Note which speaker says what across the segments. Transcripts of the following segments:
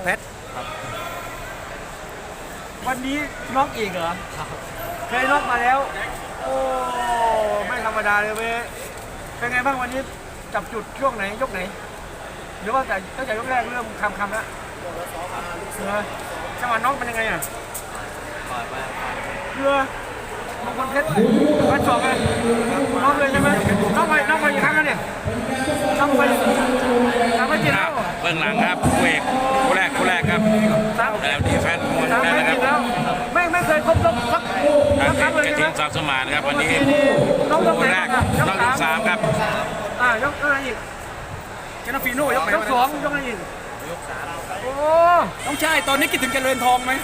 Speaker 1: เพชร
Speaker 2: วันนี้น็อกอีกเหรอเคยน็อกมาแล้วโอ้ไม่ธรรมดาเลยเว้ยเป็นไงบ้างวันนี้จับจุดช่วงไหนยกไหนหรือว่าแต่ตั้งแต่ยกแรกเริ่มคำแล้วจังหวะน็อกเป็นยังไงอ่ะเรือมงคลเพชรมาจบเลยน็อกเลยใช่ไหมน็อกไปกี่ครั้งแล้วเนี่ยน็อกไปกี่แล้ว
Speaker 3: เบื้องหลังครับคู่เอกคู่แรกครับแล้วดีแฟนมวย
Speaker 2: 3
Speaker 3: ได้
Speaker 2: ไม่
Speaker 3: นะค
Speaker 2: ติ
Speaker 3: รับ
Speaker 2: ดแล้วไม่เคยครบสักครั้งเลย
Speaker 3: กระ
Speaker 2: ใช่
Speaker 3: ทิ
Speaker 2: ไหม
Speaker 3: งสอบสมานครับวันนี้
Speaker 2: น้องยก
Speaker 3: คู่
Speaker 2: ไหน
Speaker 3: แรก
Speaker 2: อ่ะ
Speaker 3: น้องยกสามครับ
Speaker 2: ยกอะไรอีก
Speaker 1: แกนฟีโน่ยกไหน
Speaker 2: ยกสองยกอะไรอีกโอ้
Speaker 1: ต้องใช่ตอนนี้คิดถึงเจริญทองไหม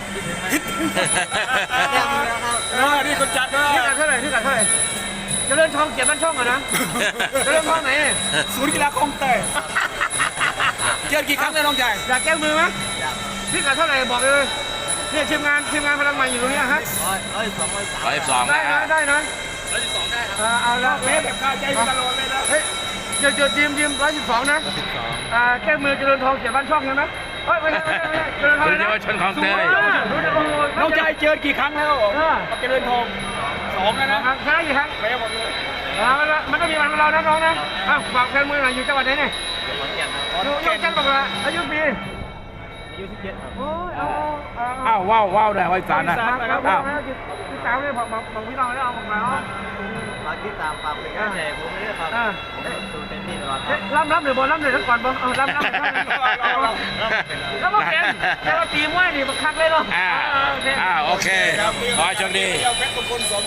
Speaker 1: นี่คนจัดนะ
Speaker 2: พี่กัดเท่าไหร่เจริญทองเกียรติบ้านช่องอะนะเจริญทองไหน
Speaker 1: ศูนย์กีฬาคลองเตยเจอกี่ครั้งเลยน้องชาย
Speaker 2: อยากแก้มือไหมพี่กัดเท่าไหร่บอกเลยเนี่ยทีมงานพลังใหม่อยู่ตรงนี้ฮะ
Speaker 3: 112
Speaker 2: ได้
Speaker 3: นะ
Speaker 2: นะได้นะเอาละ
Speaker 1: เมฟแบบคาใจตลอดเลยนะ
Speaker 2: เฮ้ยเจอทีม112นะแก้มือเจริญทองเกียรติบ้านช่องใช่ไหมเฮ้ยไม่ใช่เจริญทอง
Speaker 3: เป็นเยาวชนของเตย
Speaker 1: น้องชายเจอกี่ครั้งแล้วกับเจริญทอง2แล้วนะ
Speaker 2: ครั้งกี่ครั้ง
Speaker 1: ไปหมดเลย
Speaker 2: มันต้องมีวันของเรานะน้องนะฝากแฟนมือหน่อยอยู่จังหวัดไหนเนี่ยอยู่จังหวัดอะไรอายุปีอายุ17ครับโอ้ย
Speaker 3: อ้าวว้าวได้ไว้สารนะ
Speaker 2: อ้าวพี่สาวเลยบอกพี่น้องแล้วเอาของเรา
Speaker 4: ฝากติดตามฝากเป็นกำลังใจผมไม่ได้ครับดูเต็มที่ตลอดครับ
Speaker 2: ล่ำหรือบอลล่ำเลยทั้งก่อนบ่ล่ำแล้วก็เป็นแต่ว่าตีมวยนี่มันคักเลยเนาะ
Speaker 3: โอเคขอให้โชคดี